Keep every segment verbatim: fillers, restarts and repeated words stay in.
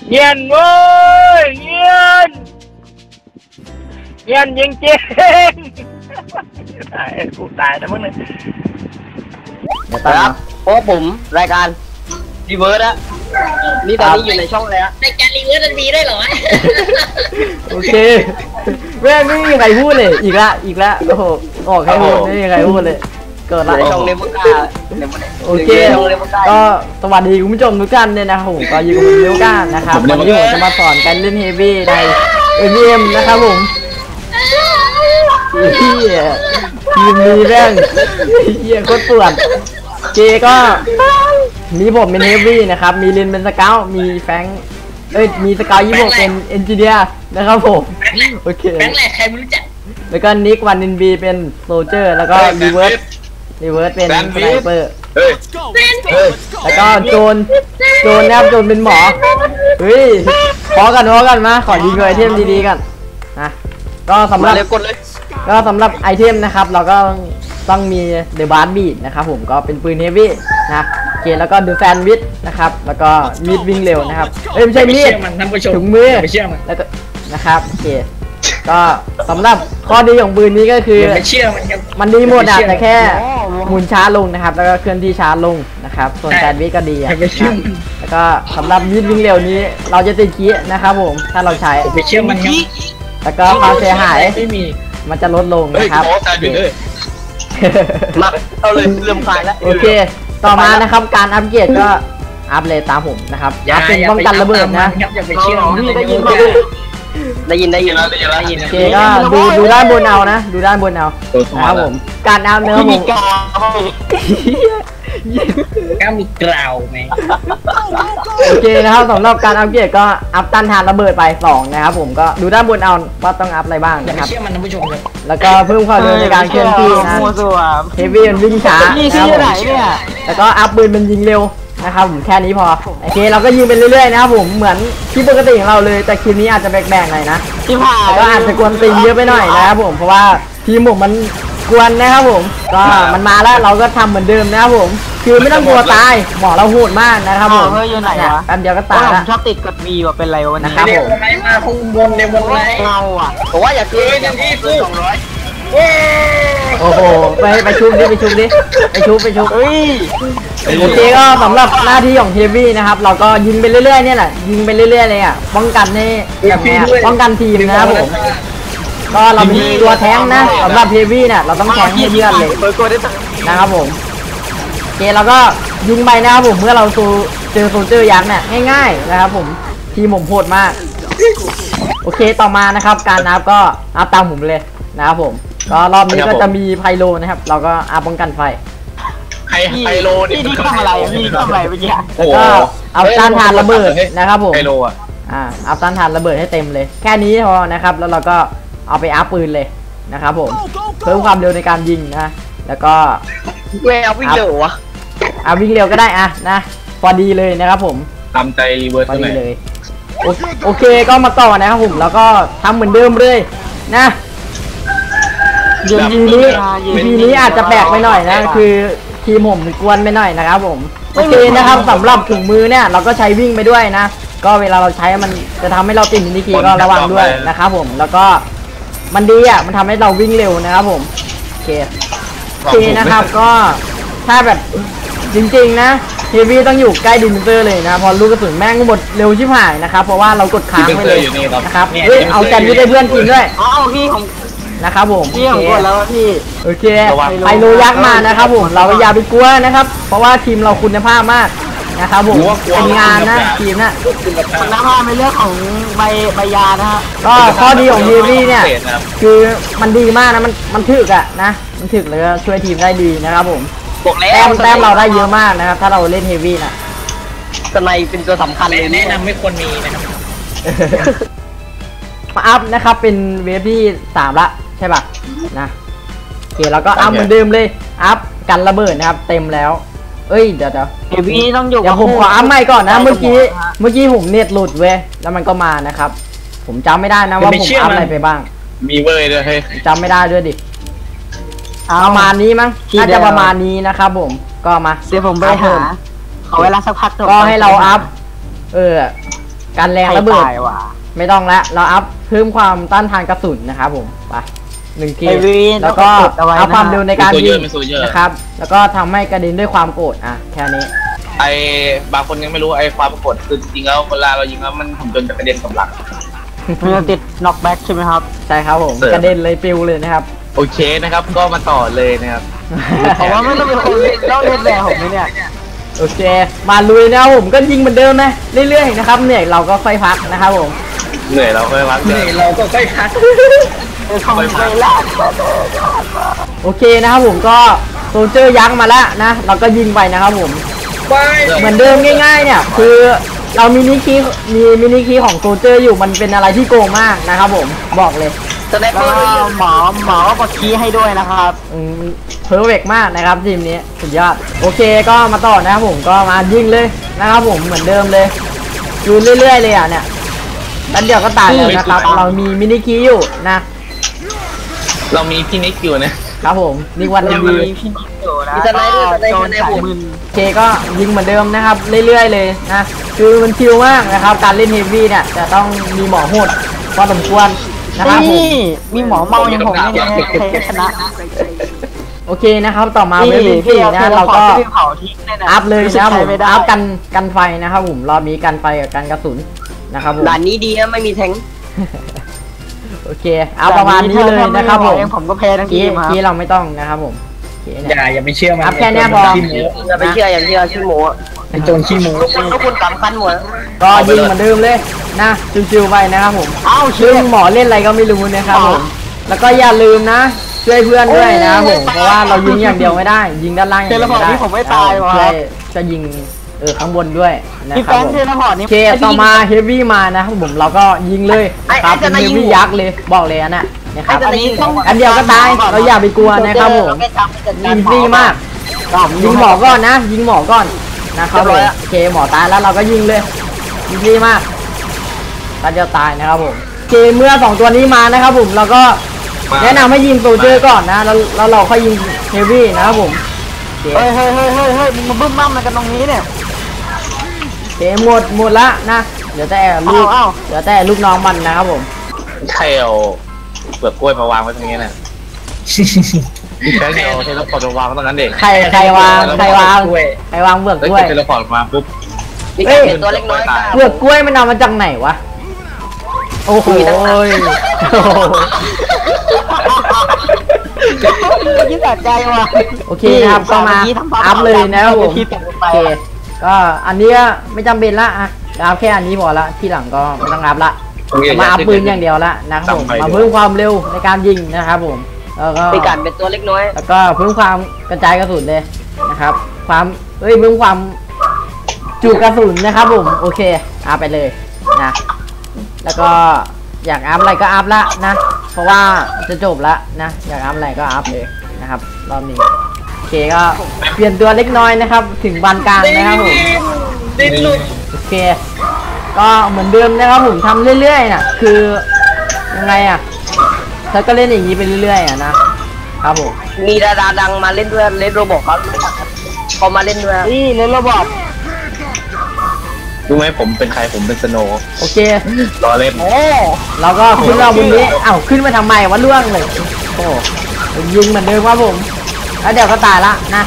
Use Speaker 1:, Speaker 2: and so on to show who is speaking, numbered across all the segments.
Speaker 1: เงียนเว้ยเงียนเงียนจริงจริงตายกูตายแล้วมึงเลย
Speaker 2: ครับเพราะผมรายการรีเวิร์สอะนี่ตอนนี้อยู่ในช่องอะไรอะ
Speaker 3: รายการรีเวิร์สมันมีได้เหรอ
Speaker 4: โอเคแม่งไม่มีใครพูดเลยอีกละอีกละโอ้โหออกใครพูดไม่มีใครพูดเลยเกิดละ
Speaker 2: ช่องเลมก้า
Speaker 4: โอเคก็สวัสดีคุณผู้ชมทุกท่านเนี่ยนะครับผมก็อยู่กับผมเลมก้านะครับวันนี้ผมจะมาสอนการเล่นเฮฟวี่ใน เอ็ม วี เอ็ม นะครับผมเฮียทีมนี้แม่งเฮียโคตรปวดเจก็มีผมเป็นเฮฟวี่นะครับมีลินเป็นสเกลมีแฟงเอ้ยมีสเกลยี่สิบเป็นเอนจิเนียร์นะครับผมโอเค
Speaker 3: แฟงแหละใครไม่รู้จัก
Speaker 4: แล้วก็นิกวันนินบีเป็นโซลเจอร์แล้วก็รีเวิร์สรีเวิร์สเป็นสไนเปอร์แล้วก็โจนโจนนะครับโจนเป็นหมอเฮ้ยพอกันพอกันมาขอดีเลยไอเทมดีๆกันนะก็สำหรับก็สำหรับไอเทมนะครับเราก็ต้องมีเดอะบาร์บีนะครับผมก็เป็นปืนเฮฟวี่นะโอเคแล้วก็ดูแซนวิชนะครับแล้วก็มีดวิ่งเร็วนะครับเอ้ยไม่ใช่มีดถุงมือแล้วก็นะครับโอเคก็สำหรับข้อดีของปืนนี้ก็คือมันดีหมดอ่ะแต่แค่หมุนช้าลงนะครับแล้วก็เคลื่อนที่ช้าลงนะครับส่วนแซนวิชก็ดีอ่ะแล้วก็สำหรับมีดวิ่งเร็วนี้เราจะติดคีนะครับผมถ้าเราใช้แล้วก็ความเสียหายมันจะลดลงนะครับ
Speaker 2: มาเอาเลยเริ่มคลายแล้ว
Speaker 4: โอเคต่อมานะครับการอัปเกรดก็อัพเลยตามผมนะครับอัพเป็นป้องกันระเบิดนะ
Speaker 3: อย่าไปเชื่อ
Speaker 2: ได้ยินได้ยินได้ยินได้ยินได้ยิน
Speaker 4: โอเคก็ดูดูด้านบนเอานะดูด้านบนเอานะครับผมการอัพเนื้อผม
Speaker 3: ก็มีกล่าวไหม
Speaker 4: โอเคนะครับสำหรับการอัปเกรดก็อัพต้านทานระเบิดไปสองนะครับผมก็ดูด้านบนเอาว่าต้องอัพอะไรบ้างนะครับแล้วก็เพิ่มความเร็วในการเคลื่อนที่นะเฮฟวี่มันวิ่งช้าแล้วก็อัพปืนมันยิงเร็วนะครับผมแค่นี้พอโอเคเราก็ยิงไปเรื่อยๆนะครับผมเหมือนที่ปกติของเราเลยแต่คลิปนี้อาจจะแบกๆหน่อยนะแล้วก็อาจจะกวนตีนเยอะไปหน่อยนะครับผมเพราะว่าทีมผมมันกวนนะครับผมก็มันมาแล้วเราก็ทำเหมือนเดิมนะครับผมคือไม่ต้องกลัวตายหมอเราโหดมากนะครับผม
Speaker 2: เฮ้ยอยู่ไหนวะ
Speaker 4: แป๊บเดียวก็ตายแล้ว
Speaker 2: ชอบติดกดบีว่าเป็นไรวะ
Speaker 4: นะครับผม
Speaker 3: มาคงบนในบนไร
Speaker 2: เราอ่ะผมว่าอย่าเกินที่สองร้อย
Speaker 4: โอ้โหไปไปชุบดิไปชุบดิไปชุบไปชุบโอเคก็สำหรับหน้าที่ของเฮฟวี่นะครับเราก็ยิงไปเรื่อยๆเนี่ยแหละยิงไปเรื่อยๆเลยอ่ะป้องกันให้แบบนี้ป้องกันทีมนะครับผมก็เราเป็นตัวแท้งนะสำหรับเฮฟวี่เนี่ยเราต้องแท้งให้เพื่อนเลยนะครับผมโอเคเราก็ยิงไปนะครับผมเมื่อเราเจอโซลเจอร์ยักษ์เนี่ยง่ายๆนะครับผมทีมผมโหดมากโอเคต่อมานะครับการนับก็อัพตามผมเลยนะครับผมก็รอบนี้ก็จะมีไพโลนะครับเราก็อัพป้องกันไฟ
Speaker 1: ไพโลนี่
Speaker 2: ที่ทำอะไรพี่ทำอะไรเมื่อกี้
Speaker 4: แล้วก็เอาต้านทานระเบิดนะครับผม
Speaker 1: ไพโลอ่ะ
Speaker 4: อ่าเอาต้านทานระเบิดให้เต็มเลยแค่นี้พอนะครับแล้วเราก็เอาไปอัพปืนเลยนะครับผมเพิ่มความเร็วในการยิงนะแล้วก็
Speaker 2: เวลวิ่งเร็ววะ
Speaker 4: เอาวิ่งเร็วก็ได้อะนะพอดีเลยนะครับผม
Speaker 1: ตามใจรีเวิร์ส
Speaker 4: พอดีเลยโอเคก็มาต่อนะครับผมแล้วก็ทำเหมือนเดิมเลยนะเดี๋ยวทีนี้ทีนี้อาจจะแปลกไปหน่อยนะคือทีมผมกวนไปหน่อยนะครับผมโอเคนะครับสำหรับถุงมือเนี่ยเราก็ใช้วิ่งไปด้วยนะก็เวลาเราใช้มันจะทำให้เราติดมินิคีก็ระวังด้วยนะครับผมแล้วก็มันดีอ่ะมันทำให้เราวิ่งเร็วนะครับผมโอเคโอเคนะครับก็ถ้าแบบจริงๆนะเฮฟวี่ต้องอยู่ใกล้ดินเซอร์เลยนะพอลูกกระสุนแม่งหมดเร็วชิบหายนะครับเพราะว่าเรากดค้างไปเลยนะครับเฮ้ยเอาแซนด์วิชให้เพื่อนกินด้วย
Speaker 2: อ๋อพี่ของ
Speaker 4: นะครับผม
Speaker 2: พี่ของกดแล้วพี่
Speaker 4: โอเคไพโลยักษ์มานะครับผมเราอย่าไปกลัวนะครับเพราะว่าทีมเราคุณภาพมากนะครับผมเป็นงานนะทีมนะ
Speaker 2: คุณภาพในเรื่องของใบใบยานะฮะ
Speaker 4: ก็ข้อดีของเฮฟวี่เนี่ยคือมันดีมากนะมันมันถึกอะนะมันถึกแล้วก็ช่วยทีมได้ดีนะครับผมแต้มแต้มเราได้เยอะมากนะครับถ้าเราเล่นเฮฟวี่นะ
Speaker 2: สไนเป็นตัวสำคัญเลย
Speaker 3: แนะนำไม่ควรมีนะครับ
Speaker 4: มาอัพนะครับเป็นเวฟที่สามละใช่ป่ะนะโอเคเราก็อัพเหมือนเดิมเลยอัพกันระเบิดนะครับเต็มแล้วเอ้ยเดี๋ยวเดี๋ยว
Speaker 2: เฮฟวี่ต้องอยู่
Speaker 4: เดี๋ยวผมขออัพใหม่ก่อนนะเมื่อกี้เมื่อกี้ผมเน็ตหลุดเว้ยแล้วมันก็มานะครับผมจำไม่ได้นะว่าผมอัพอะไรไปบ้าง
Speaker 1: มีเว้ยด้วยเฮ้ย
Speaker 4: จำไม่ได้ด้วยดิประมาณนี้มั้งน่าจะประมาณนี้นะครับผมก็มา
Speaker 2: เดี๋ยวผมไปหาขอเวลาสักพัก
Speaker 4: ก็ให้เราอัพเออการแรงระเบิด
Speaker 5: ตายว่ะ
Speaker 4: ไม่ต้องละเราอัพเพิ่มความต้านทานกระสุนนะครับผมไปหนึ่งที
Speaker 5: ไอวีน
Speaker 4: แล้วก็
Speaker 5: ต้องกดเอาไว้นะ
Speaker 4: อัพความเร็วในการ
Speaker 2: โซเย
Speaker 4: ยิ
Speaker 2: อง ร์ไม่โซเยอร์
Speaker 4: นะครับแล้วก็ทำให้กระเด็นด้วยความโกรธอ่ะแค่นี้
Speaker 2: ไอ้บางคนยังไม่รู้ไอ้ความปรากฏคือจริงๆแล้วเวลาเรายิงแล้วมันหุ่นยนต์จะกระเด็นกับหลัง
Speaker 5: มันจะติดน็อกแบ็กใช่ไหมครับ
Speaker 4: ใช่ครับผม
Speaker 2: เสริม
Speaker 4: กระเด็นเลยปิวเลยนะครับ
Speaker 2: โอเคนะครับก็มาต่อเลยนะครับ
Speaker 5: ผมว่าไม่ต้องเป็นคนต้องเล่นแบบผมไหมเนี่ย
Speaker 4: โอเค มาลุยนะครับผมก็ยิงเหมือนเดิมนะเรื่อยๆนะครับเหนื่อยเราก็ค่อยพักนะครับผม
Speaker 2: เหนื่อยเราค่อยพัก
Speaker 3: เหนื่อยเราก็ค่อยพัก
Speaker 5: เออของไปแลก
Speaker 4: โอเคนะครับผมก็โซลเจอร์ยักษ์มาแล้วนะเราก็ยิงไปนะครับผม
Speaker 3: ไป
Speaker 4: เหมือนเดิมง่ายๆเนี่ยคือเรามินิคีย์มีมินิคีย์ของโซลเจอร์อยู่มันเป็นอะไรที่โกงมากนะครับผมบอกเลย
Speaker 2: แสดง
Speaker 5: แล้ว
Speaker 2: ว่า
Speaker 5: หมอหมอก็กดคีย์ให้ด้วยนะครับ
Speaker 4: เพอร์เฟกมากนะครับทีมนี้สุดยอดโอเคก็มาต่อนะครับผมก็มายิงเลยนะครับผมเหมือนเดิมเลยอยู่เรื่อยๆเลยอ่ะเนี่ยแล้วเดี๋ยวก็ตายแล้วนะครับเรามีมินิคีย์อยู่นะ
Speaker 2: เรามีพี่นิกอยู่นะครับ
Speaker 4: ผมนี่วันดี
Speaker 5: มีพี่นิดอยู่นะโดนสายมึน
Speaker 4: โอเคก็ยิงเหมือนเดิมนะครับเรื่อยๆเลยนะคือมันชิลมากนะครับการเล่นเฮฟวี่เนี่ยจะต้องมีหมอโหดพอสมควรนะครับผม
Speaker 5: นี่มีหมอเมาอย่างผมเนี่ยใครชนะ
Speaker 4: โอเคนะครับต่อมาเว็บที่สี่นะเราก็
Speaker 5: เผาทิ้งเลยนะ
Speaker 4: อัพเลยนะครับผม
Speaker 5: ไม่ได้
Speaker 4: อัพกันกันไฟนะครับผมรอบนี้กันไฟกับกันกระสุนนะครับผม
Speaker 2: ด่านนี้ดีนะไม่มีแทง
Speaker 4: โอเคเอาประมาณนี้เลยนะครับผม
Speaker 5: ผมก็แพ้ทั้งที
Speaker 4: คี
Speaker 5: มครับ
Speaker 4: คีเราไม่ต้องนะครับผมโอเค
Speaker 3: อ
Speaker 4: เนี่ย
Speaker 3: ย่าอย่าไปเชื่อมัน
Speaker 4: อัพแค่เนี้ยพอ
Speaker 3: ขี้โม้
Speaker 2: อย่าไปเชื่ออย่างที่เราชื่อหมู
Speaker 3: เป็นโจรขี้โม้
Speaker 2: ทุกคนทุกคนสำคัญหมด
Speaker 4: ก็ยิงเหมือนเดิมเลยนะชิวๆไปนะครับผม
Speaker 5: เอ้า
Speaker 4: ซึ่
Speaker 5: เชื่
Speaker 4: ง
Speaker 5: อ
Speaker 4: หมอเล่นอะไรก็ไม่รู้นะครับผมแล้วก็อย่าลืมนะช่วยเพื่อนด้วยนะครับผมเพราะว่าเรายิงอย่างเดียวไม่ได้ ยิงด้านล่างอย่าง
Speaker 5: เท
Speaker 4: เดี
Speaker 5: เล
Speaker 4: ยว
Speaker 5: พอร์ต
Speaker 4: ไม่ได้
Speaker 5: ที่ผมไม่ตายว่ะ
Speaker 4: ช่วยจะยิงเออข้างบนด้วยนะ
Speaker 5: พี่
Speaker 4: ค
Speaker 5: แฟ
Speaker 4: รับ
Speaker 5: น
Speaker 4: ผม
Speaker 5: เทเลพอร์ตนี่
Speaker 4: โอเคต่อมาเฮฟวี่มานะครับผมเราก็ยิงเลยนะครับเป็นเฮฟวี่ยักษ์เลยบอกเลยอันน่ะนะครับ
Speaker 5: อันนี้ต้อง
Speaker 4: อันเดียวก็ตายเราอย่าไปกลัวนะครับผมอีซี่มากยิงหมอก่อนนะ ยิงหมอก่อนนะครับผมโอเคหมอตายแล้วเราก็ยิงเลยอีซี่มากตาจะตายนะครับผมโอเคเมื่อสองตัวนี้มานะครับผมเราก็แนะนำให้ยิงโซลเจอร์ก่อนนะแล้วแล้วเราค่อยยิงเฮฟวี่นะครับผมโอเค
Speaker 5: เฮ้ยเฮ้ยเฮ้ยเฮ้ยเฮ้ยมึงมาบึ้มบ้ามอะไรกันตรงนี้เนี่ย
Speaker 4: โอเคหมดหมดละนะเดี๋ยวแต่ลูก
Speaker 5: เอาเอา
Speaker 4: เดี๋ยวแต่ลูกน้องมันนะครับผม
Speaker 2: ใครเอาเปลือกกล้วยมาวางไว้ตรงนี้น่ะใช้เอาเทเลพอร์ตมาวางตรงนั้นเด็ก
Speaker 4: ใครใครวางใครวางใครวางเบือก
Speaker 2: แล้ว
Speaker 4: กล้วย
Speaker 2: เทเลพอร์ตมาปุ๊บ
Speaker 4: เฮ้ย
Speaker 2: ตัวเล็กน้อย
Speaker 4: เบือกกล้วยมันเอามาจากไหนวะโอ้โหโอ้โห
Speaker 5: ยิ่งตัดใจว่ะ
Speaker 4: โอเคนะครับก็มาอัพเลยนะครับผม
Speaker 5: ที่ตกลงไป
Speaker 4: โอเคก็อันนี้ก็ไม่จำเป็นละอะอัพแค่อันนี้พอละที่หลังก็ไม่ต้องอัพละมาอัพปืนอย่างเดียวละนะครับผมมาเพิ่มความเร็วในการยิงนะครับผมแล้วก็
Speaker 2: ปีกันเป็นตัวเล็กน้อย
Speaker 4: แล้วก็เพิ่มความกระจายกระสุนเลยนะครับ ความเอ้ยเพิ่มความจุกระสุนนะครับผมโอเคอัพไปเลยนะแล้วก็อยากอัพอะไรก็อัพละนะ เพราะว่าจะจบละนะอยากอัพอะไรก็อัพเลยนะครับรอบนี้โอเคก็เปลี่ยนตัวเล็กน้อยนะครับ ถึงบานกลางนะครับผม
Speaker 3: ดิ้นหลุด
Speaker 4: โอเค ก็เหมือนเดิมนะครับผมทำเรื่อยๆน่ะคือยังไงอ่ะเธอก็เล่นอย่างนี้ไปเรื่อยๆอ่ะนะครับผม
Speaker 2: มีดาราดังมาเล่นด้วยเล่นโรบอทเขาเขามาเล่นด้วย
Speaker 5: นี่เล่นระบบ
Speaker 2: รู้ไหมผมเป็นใครผมเป็นสโนว์
Speaker 4: โอเค
Speaker 2: รอเล่น
Speaker 5: โอ้
Speaker 4: เราก็ขึ้นเราบนนี้เอ้าขึ้นมาทำไมวะล่วงเลยโอ้ยิงเหมือนเดิมครับผมแล้วเดี๋ยวก็ตายละนะ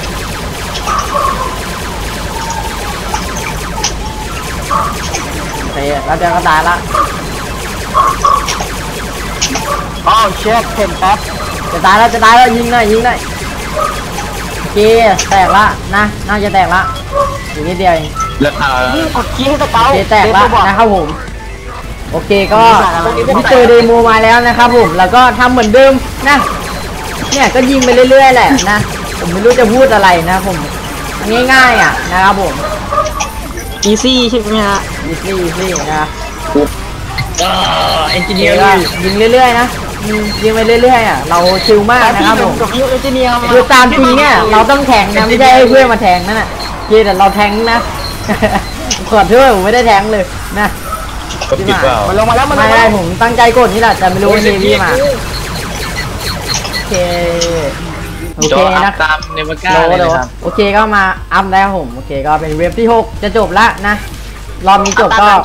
Speaker 4: โอเคแล้วเดี๋ยวก็ตายละ
Speaker 5: อ้าวเช็คเข็มแป๊บ
Speaker 4: จะตายแล้วจะตายแล้วยิงหน่อยยิงหน่อยโอเคแตกละนะน่าจะแตกละอีกนิดเดียวเอง
Speaker 2: แล้วเอ่อ
Speaker 5: นี่กดคีย์ให้สเกล
Speaker 4: โอเคแตกละนะครับผมโอเคก็พี่เจอเดโมมาแล้วนะครับผมแล้วก็ทำเหมือนเดิมนะเนี่ยก็ยิงไปเรื่อยๆแหละนะผมไม่รู้จะพูดอะไรนะผมง่ายๆอ่ะนะครับผม
Speaker 5: อีซี่ใช่ไหมฮะ
Speaker 4: อีซี่อีซี่นะ
Speaker 3: ก็เอนจิ
Speaker 4: โอ
Speaker 3: เนี
Speaker 4: เค
Speaker 3: ยร์
Speaker 4: ก็ยิงเรื่อยๆนะยิงยิงไปเรื่อยๆอ่ะเราชิลมากนะครับผม
Speaker 5: กับยูเอเจเนียมา
Speaker 4: คือตามจริงเนี่ยเราต้องแทงนะไม่ใช่ให้เพื่อนมาแทงนั่นน่ะโอเคแต่เราแทงนะ ขอโทษผมไม่ได้แทงเลยนะ
Speaker 2: ก็ผิดเปล่า
Speaker 5: มันลงมาแล้วมันล
Speaker 4: ไม่
Speaker 5: งมา
Speaker 4: ได้
Speaker 5: แล้ว
Speaker 4: ผมตั้งใจกดนี่แหละแต่ไม่รู้ว่าเนวี่มาโอเคโอ
Speaker 2: จ
Speaker 4: เค
Speaker 2: ออั
Speaker 4: นะ
Speaker 2: พตามเนวาก้า
Speaker 4: โด
Speaker 2: เลย
Speaker 4: โด
Speaker 2: นะครับ
Speaker 4: โอเคก็มาอัพแล้วผมโอเคก็เป็นเว็บที่หกจะจบละนะรอบนี้จบก็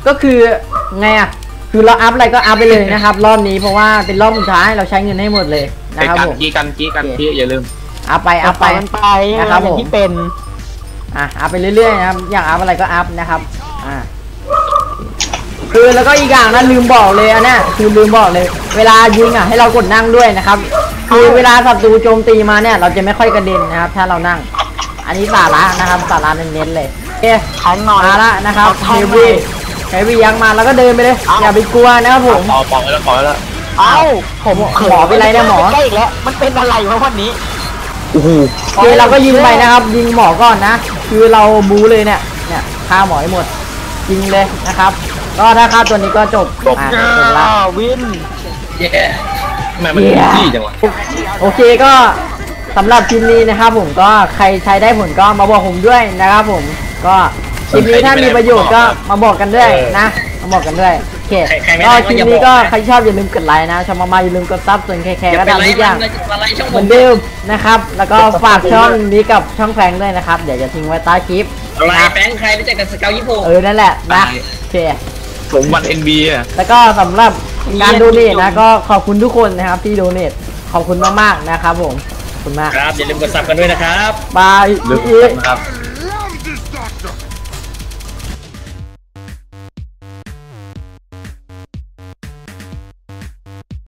Speaker 4: ก็คือไงอ่ะคือเราอัพอะไรก็อัพไปเลยนะครับ รอบนี้เพราะว่าเป็นรอบสุดท้ายเราใช้เงินให้หมดเลยนะ
Speaker 2: ไอ้
Speaker 4: ครับ
Speaker 2: กัน
Speaker 4: ผม
Speaker 2: กี้กันกี้กันกี้อย่าลืม
Speaker 4: อัพไปอัพไป
Speaker 5: มันไป
Speaker 4: นะครับผม
Speaker 5: ที่เป็น
Speaker 4: อ่ะอัพไปเรื่อยๆนะครับอยากอัพอะไรก็อัพนะครับอ่าคือแล้วก็อีกอย่างนะลืมบอกเลยอันเนี้ยคือลืมบอกเลย เวลายิงอ่ะให้เรากดนั่งด้วยนะครับคือเวลาศัตรูโจมตีมาเนี่ยเราจะไม่ค่อยกระเด็นนะครับ ถ้าเรานั่ง อันนี้สาระนะครับสาระเน้นๆเลยโอเค
Speaker 5: ขันหน่อย
Speaker 4: มาละนะครับเฮฟวี่เฮฟวี่ยังมาแล้วก็เดินไปเลยอย่าไปกลัวนะครับผม
Speaker 2: ปอปอแล้วปอแล้ว
Speaker 5: เอ้าผม
Speaker 4: หมอเป็นไรเนี่ยหมอ
Speaker 5: ใกล้อีกแล้วมันเป็นอะไรวะวันนี้
Speaker 2: โอ้โห
Speaker 4: โอเคเราก็ยิงไปนะครับ ยิงหมอก่อนนะ คือเราบูเลยเนี่ยเนี่ยฆ่าหมอให้หมดยิงเลยนะครับ ก็ถ้าฆ่าตัวนี้ก็จบอ่ะจบละ
Speaker 5: วิน
Speaker 2: แย่ทำไมมันจี้จังวะ
Speaker 4: โอเคก็สำหรับคลิปนี้นะครับผมก็ใครใช้ได้ผลก็มาบอกผมด้วยนะครับผมก็คลิปนี้ถ้ามีประโยชน์ก็มาบอกกันด้วยนะมาบอกกันด้วยโอเคก็คลิปนี้ก็ใครชอบอย่าลืมกดไลค์นะชอบมาๆอย่าลืมกดซับส่วนแคร์ก็ตามทุกอย่างเหมือนเดิมนะครับแล้วก็ฝากช่องนี้กับช่องแฟงด้วยนะครับเดี๋ยวจะทิ้งไว้ใต้คลิป
Speaker 3: อะไร
Speaker 4: นะ
Speaker 3: แฟงใครรู้จักกับสเกลยี่ห้อ
Speaker 4: เออนั่นแหละนะโอเค
Speaker 2: ผมวันเอ็นบีอ่ะ
Speaker 4: แล้วก็สำหรับการโดเนทนะก็ขอบคุณทุกคนนะครับที่โดเนทขอบคุณมากๆนะครับผมขอบคุณมาก
Speaker 3: ครับอย่าลืมกดซับกันด้วยนะครับ
Speaker 4: บาย
Speaker 2: ลืม
Speaker 4: อีก
Speaker 2: นะครับ